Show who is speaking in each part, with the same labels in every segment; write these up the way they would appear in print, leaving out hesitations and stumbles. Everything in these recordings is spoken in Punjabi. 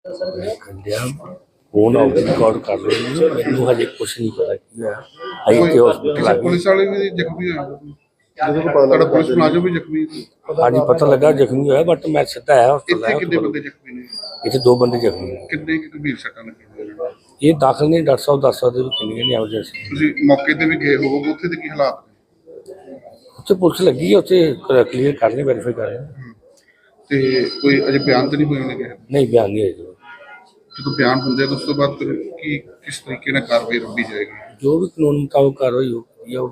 Speaker 1: फोन आओगे रिकॉर्ड कर लेंगे। मैनू हजे कुछ नहीं पता की है। अभी तो हॉस्पिटल आ गए।
Speaker 2: पुलिस वाले भी जख्मी होए ਤੁਹਾਡਾ ਪੁਲਿਸ ਮੁਲਾਜ਼ਮ ਵੀ ਜ਼ਖਮੀ
Speaker 1: हाँ जी पता लगा जख्मी होया बट मैं सीधा आया
Speaker 2: ਇੱਥੇ
Speaker 1: हॉस्पिटल
Speaker 2: ਕਿੰਨੇ ਬੰਦੇ ਜ਼ਖਮੀ ਨੇ
Speaker 1: इतने 2 बंदे जख्मी ने।
Speaker 2: ਕਿੰਨੇ ਕੁ ਗੰਭੀਰ ਸੱਟਾਂ ਲੱਗੀਆਂ ਨੇ
Speaker 1: ये दाखिल नहीं डॉक्टर साहब दस सकते किन्नी नहीं एमरजेंसी
Speaker 2: ਤੁਸੀਂ ਮੌਕੇ ਤੇ ਵੀ ਗਏ ਹੋਵੋਗੇ ਉੱਥੇ ਦੇ ਕੀ ਹਾਲਾਤ ਨੇ
Speaker 1: उत्थे पुलिस लगी है उत्थे क्लीयर कर रहे वेरीफाई कर रहे हैं।
Speaker 2: ਤੇ ਕੋਈ ਅਜੇ ਬਿਆਨ ਤਾਂ ਨਹੀਂ ਹੋਏ ਨੇ ਕਿਸੇ
Speaker 1: नहीं बयान नहीं है जो
Speaker 2: ਜਦੋਂ ਬਿਆਨ ਹੁੰਦੇ ਆ ਤਾਂ ਉਸ ਤੋਂ ਬਾਅਦ ਫਿਰ ਕੀ ਕਿਸ ਤਰੀਕੇ ਨਾਲ ਕਾਰਵਾਈ ਰੱਖੀ ਜਾਏਗੀ
Speaker 1: जो भी कानून मुताबिक कार्रवाई होगी।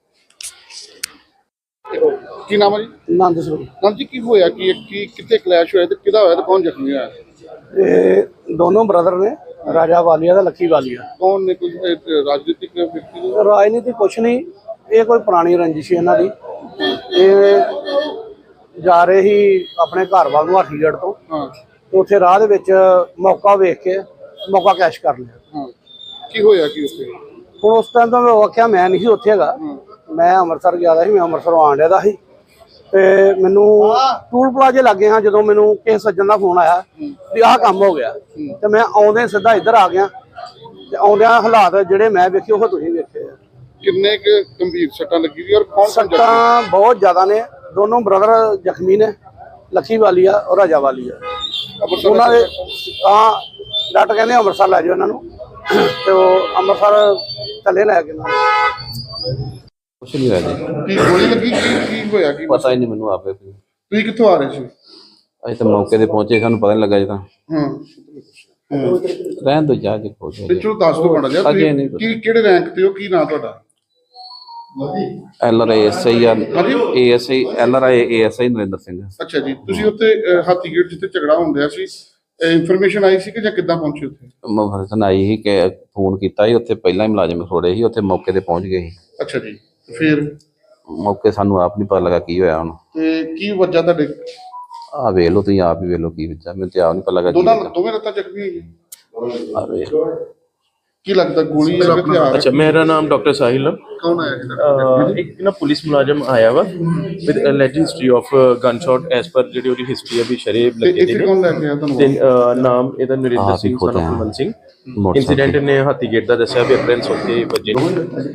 Speaker 2: ਕੀ ਨਾਮ ਹੈ ਜੀ
Speaker 3: ਆਨੰਦ ਸਰੂਪ
Speaker 2: ਨਾਮ ਜੀ ਕੀ ਹੋਇਆ ਕੀ ਕਿੱਥੇ ਕਲੈਸ਼ ਹੋਇਆ ਤੇ ਕਿਹਦਾ ਹੋਇਆ ਤੇ ਕੌਣ ਜ਼ਖਮੀ ਹੋਇਆ
Speaker 3: ਇਹ ਦੋਨੋਂ ਬ੍ਰਦਰ ਨੇ ਰਾਜਾ ਵਾਲੀਆ ਦਾ ਲੱਕੀ ਵਾਲੀਆ।
Speaker 2: ਕੌਣ ਨੇ ਕੋਈ ਰਾਜਨੀਤਿਕ ਵਿਅਕਤੀ ਨੇ
Speaker 3: ਰਾਜਨੀਤੀ ਕੁਛ ਨਹੀਂ, ਇਹ ਕੋਈ ਪੁਰਾਣੀ ਰੰਜਿਸ਼ ਸੀ ਇਹਨਾਂ ਦੀ। ਇਹ ਜਾ ਰਹੇ ਸੀ ਆਪਣੇ ਘਰ ਵੱਲ ਨੂੰ ਹਾਥੀਗੜ੍ਹ ਤੋਂ,
Speaker 2: ਹਾਂ
Speaker 3: ਤੇ ਉੱਥੇ ਰਾਹ ਦੇ ਵਿੱਚ ਮੌਕਾ ਵੇਖ ਕੇ ਮੌਕਾ ਕੈਸ਼ ਕਰ ਲਿਆ।
Speaker 2: ਹਾਂ ਕੀ ਹੋਇਆ ਕੀ ਉੱਥੇ
Speaker 3: ਹੁਣ ਉਸ ਟਾਈਮ ਤਾਂ ਮੈਂ ਆਖਿਆ ਮੈਂ ਨਹੀਂ ਸੀ ਉੱਥੇ ਹੈਗਾ, ਮੈਂ ਅੰਮ੍ਰਿਤਸਰ ਗਿਆ ਦਾ ਸੀ, ਮੈਂ ਅੰਮ੍ਰਿਤਸਰੋਂ ਆਉਣ ਡਿਆ ਦਾ ਸੀ ਤੇ ਮੈਨੂੰ ਟੂਲ ਪਲਾਜ਼ੇ ਲੱਗੇ ਹਾਂ ਜਦੋਂ ਮੈਨੂੰ ਕਿਸੇ ਸੱਜਣ ਦਾ ਫੋਨ ਆਇਆ ਵੀ ਆਹ ਕੰਮ ਹੋ ਗਿਆ ਤੇ ਮੈਂ ਆਉਂਦੇ ਸਿੱਧਾ ਇੱਧਰ ਆ ਗਿਆ ਤੇ ਆਉਂਦਿਆਂ ਹਾਲਾਤ ਜਿਹੜੇ ਮੈਂ ਵੇਖੇ ਉਹ ਤੁਸੀਂ ਵੇਖੇ ਆ।
Speaker 2: ਕਿੰਨੇ ਕੁ ਗੰਭੀਰ ਸੱਟਾਂ ਲੱਗੀ ਸੀ ਔਰ ਕੌਣ
Speaker 3: ਸੱਟਾਂ ਬਹੁਤ ਜ਼ਿਆਦਾ ਨੇ, ਦੋਨੋਂ ਬ੍ਰਦਰ ਜ਼ਖਮੀ ਨੇ, ਲੱਕੀ ਵਾਲੀਆ ਔਰ ਰਾਜਾ ਵਾਲੀਆ। ਉਹਨਾਂ ਦੇ ਤਾਂ ਡਾਕਟਰ ਕਹਿੰਦੇ ਅੰਮ੍ਰਿਤਸਰ ਲੈ ਜਾਓ ਇਹਨਾਂ ਨੂੰ ਤੇ ਉਹ ਅੰਮ੍ਰਿਤਸਰ ਥੱਲੇ ਲੈ ਕੇ
Speaker 4: ਕੁਛ ਨਹੀਂ ਹੋਇਆ ਜੀ,
Speaker 2: ਕੀ ਗੋਲੀ ਲੱਗੀ ਕੀ ਹੋਇਆ ਕੀ
Speaker 4: ਪਤਾ ਹੀ ਨਹੀਂ ਮੈਨੂੰ ਆਪੇ।
Speaker 2: ਤੁਸੀਂ ਕਿੱਥੋਂ ਆ ਰਹੇ ਸੀ
Speaker 4: ਅਸੀਂ ਤਾਂ ਮੌਕੇ ਤੇ ਪਹੁੰਚੇ, ਸਾਨੂੰ ਪਤਾ ਨਹੀਂ ਲੱਗਾ ਜੀ। ਤਾਂ
Speaker 2: ਹਾਂ
Speaker 4: ਰਹਿਣ ਦੋ ਜਾ ਕੇ ਪਹੁੰਚੇ
Speaker 2: ਤੇ ਚਲੋ ਦੱਸ ਦੋ ਮਾੜਾ ਜਿਹਾ
Speaker 4: ਅਜੇ ਨਹੀਂ
Speaker 2: ਕੀ ਕਿਹੜੇ ਰੈਂਕ ਤੇ ਹੋ, ਕੀ ਨਾਮ ਤੁਹਾਡਾ
Speaker 4: LRASI ASI LRASI Narendra Singh.
Speaker 2: ਅੱਛਾ ਜੀ, ਤੁਸੀਂ ਉੱਥੇ ਹਾਥੀਗੇਟ ਜਿੱਥੇ ਝਗੜਾ ਹੁੰਦਿਆ ਸੀ ਇਨਫੋਰਮੇਸ਼ਨ ਆਈ ਸੀ ਕਿ ਜਾਂ ਕਿੱਦਾਂ ਪਹੁੰਚੇ ਉੱਥੇ
Speaker 4: ਮਫਸਨ ਆਈ ਸੀ ਕਿ ਫੋਨ ਕੀਤਾ ਸੀ, ਉੱਥੇ ਪਹਿਲਾਂ ਹੀ ਮੁਲਾਜ਼ਮ ਖੜੋੜੇ ਸੀ, ਉੱਥੇ ਮੌਕੇ ਤੇ ਪਹੁੰਚ ਗਏ ਸੀ।
Speaker 2: ਅੱਛਾ ਜੀ, ਫਿਰ
Speaker 4: ਮੌਕੇ ਸਾਨੂੰ ਆਪ ਨਹੀਂ ਪਤਾ ਲੱਗਾ ਕੀ ਹੋਇਆ ਹੁਣ।
Speaker 2: ਤੇ ਕੀ ਵਜ੍ਹਾ ਤੁਹਾਡੇ
Speaker 4: ਆਹ ਵੇਖ ਲਓ, ਤੁਸੀਂ ਆਪ ਹੀ ਵੇਖ ਲਓ ਕੀ ਵਿੱਚਾ, ਮੈਨੂੰ ਤੇ ਆਪ ਨਹੀਂ ਪਤਾ ਲੱਗਾ
Speaker 2: ਦੋਵੇਂ ਲੱਤਾਂ ਜ਼ਖਮੀ ਹੋਈਆਂ।
Speaker 4: ਆਹ ਵੇਖ
Speaker 2: ਕੀ ਲੱਗਦਾ ਗੋਲੀ ਜਾਂ ਹਥਿਆਰ
Speaker 5: अच्छा मेरा नाम डॉक्टर साहिल है।
Speaker 2: ਕੌਣ ਆਇਆ ਸੀ
Speaker 5: एक ना पुलिस मुलाजम आया वा with alleged history of gunshot as per ਜਿਹੜੀ ਉਹਦੀ ਹਿਸਟਰੀ ਆ ਵੀ ਸ਼ਰੇਬ
Speaker 2: ਤੇ
Speaker 5: ਲੱਗੇ
Speaker 2: ਇੱਥੇ
Speaker 5: ਦੇ
Speaker 2: ਕੌਣ
Speaker 5: ਨੇ
Speaker 2: ਲੈ ਕੇ ਆਇਆ
Speaker 5: ਤੇ
Speaker 2: ਤੁਹਾਨੂੰ
Speaker 5: ਨਾਮ ਇਹਦਾ ਨਰਿੰਦਰ ਸਿੰਘ son of ਮਨ ਸਿੰਘ। ਇਨਸੀਡੈਂਟ ਨੇ ਹਾਥੀਗੇਟ ਦਾ ਦੱਸਿਆ ਵੀ ਅਪਰੈਂਸ ਉੱਥੇ ਵੱਜੇ ਨੇ।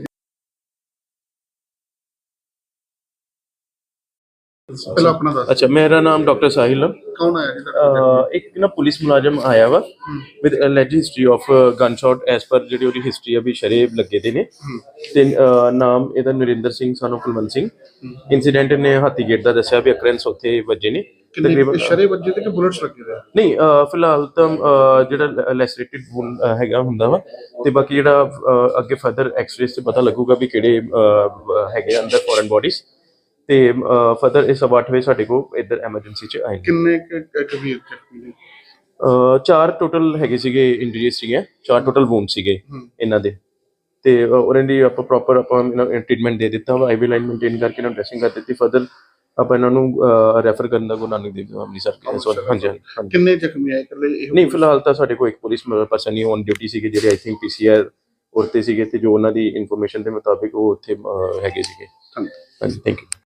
Speaker 2: ਪਹਿਲਾਂ ਆਪਣਾ ਦੱਸ
Speaker 5: अच्छा मेरा नाम डॉक्टर साहिल है।
Speaker 2: ਕੌਣ ਆਇਆ ਸੀ
Speaker 5: एक ना पुलिस मुलाजम आया वा with alleged history of gunshot as per ਜਿਹੜੀ ਉਹਦੀ ਹਿਸਟਰੀ ਆ ਵੀ ਸ਼ਰੇਬ ਲੱਗੇ ਦੇ ਨੇ ਤੇ ਨਾਮ ਇਹਦਾ ਨਰਿੰਦਰ ਸਿੰਘ son of ਮਨ ਸਿੰਘ। ਇਨਸੀਡੈਂਟ ਨੇ ਹਾਥੀਗੇਟ ਦਾ ਦੱਸਿਆ ਵੀ ਅਕਰੈਂਸ ਉੱਥੇ ਵੱਜੇ ਨੇ
Speaker 2: ਕਿੰਨੇ ਸ਼ਰੇ ਵੱਜੇ ਤੇ ਕਿ ਬੁਲਟਸ ਲੱਗੇ ਹੋਏ
Speaker 5: ਨਹੀਂ। ਫਿਲਹਾਲ ਤਾਂ ਜਿਹੜਾ ਲੈਸਰੇਟਿਡ ਵੂਨ ਹੈਗਾ ਹੁੰਦਾ ਵਾ ਤੇ ਬਾਕੀ ਜਿਹੜਾ ਅੱਗੇ ਫਰਦਰ ਐਕਸ-ਰੇਸ ਤੇ ਪਤਾ ਲੱਗੂਗਾ ਵੀ ਕਿਹੜੇ ਹੈਗੇ ਅੰਦਰ ਫੋਰਨ ਬੋਡੀਜ਼ ਤੇ ਫਰਦਰ ਇਸ 8 ਵਜੇ ਸਾਡੇ ਕੋਲ ਇੱਧਰ ਐਮਰਜੈਂਸੀ ਚ ਆਏ।
Speaker 2: ਕਿੰਨੇ ਗੰਭੀਰ ਜ਼ਖਮੀ ਨੇ
Speaker 5: 4 ਟੋਟਲ ਹੈਗੇ ਸੀਗੇ ਇੰਜਰੀਜ਼ ਸੀਗੇ, 4 ਟੋਟਲ ਵੂਨ ਸੀਗੇ ਇਹਨਾਂ ਦੇ ਤੇ ਉਹਨਾਂ ਦੀ ਆਪਾਂ ਪ੍ਰੋਪਰ ਆਪਾਂ ਟ੍ਰੀਟਮੈਂਟ ਦੇ ਦਿੱਤਾ ਵਾ, ਆਈਵੀ ਲਾਈਨ ਮੇਨਟੇਨ ਕਰਕੇ ਇਹਨਾਂ ਨੂੰ ਡ੍ਰੈਸਿੰਗ ਕਰ ਦਿੱਤੀ। ਫਰਦਰ ਆਪਾਂ ਇਹਨਾਂ ਨੂੰ ਰੈਫਰ ਕਰਨ ਦਾ ਗੁਰੂ ਨਾਨਕ ਦੇਵ ਅੰਮ੍ਰਿਤਸਰ। ਹਾਂਜੀ
Speaker 2: ਕਿੰਨੇ ਜ਼ਖਮੀ ਆਏ ਇਕੱਲੇ
Speaker 5: ਨਹੀਂ, ਫਿਲਹਾਲ ਤਾਂ ਸਾਡੇ ਕੋਲ ਇੱਕ ਪੁਲਿਸ ਪਰਸਨ ਹੀ ਔਨ ਡਿਊਟੀ ਸੀਗੇ ਜਿਹੜੇ ਆਈ ਥਿੰਕ PCR ਉਰਤੇ ਸੀਗੇ ਤੇ ਜੋ ਉਹਨਾਂ ਦੀ ਇਨਫੋਰਮੇਸ਼ਨ ਦੇ ਮੁਤਾਬਿਕ ਉਹ ਉੱਥੇ ਹੈਗੇ ਸੀਗੇ। ਹਾਂਜੀ, ਥੈਂਕ ਯੂ।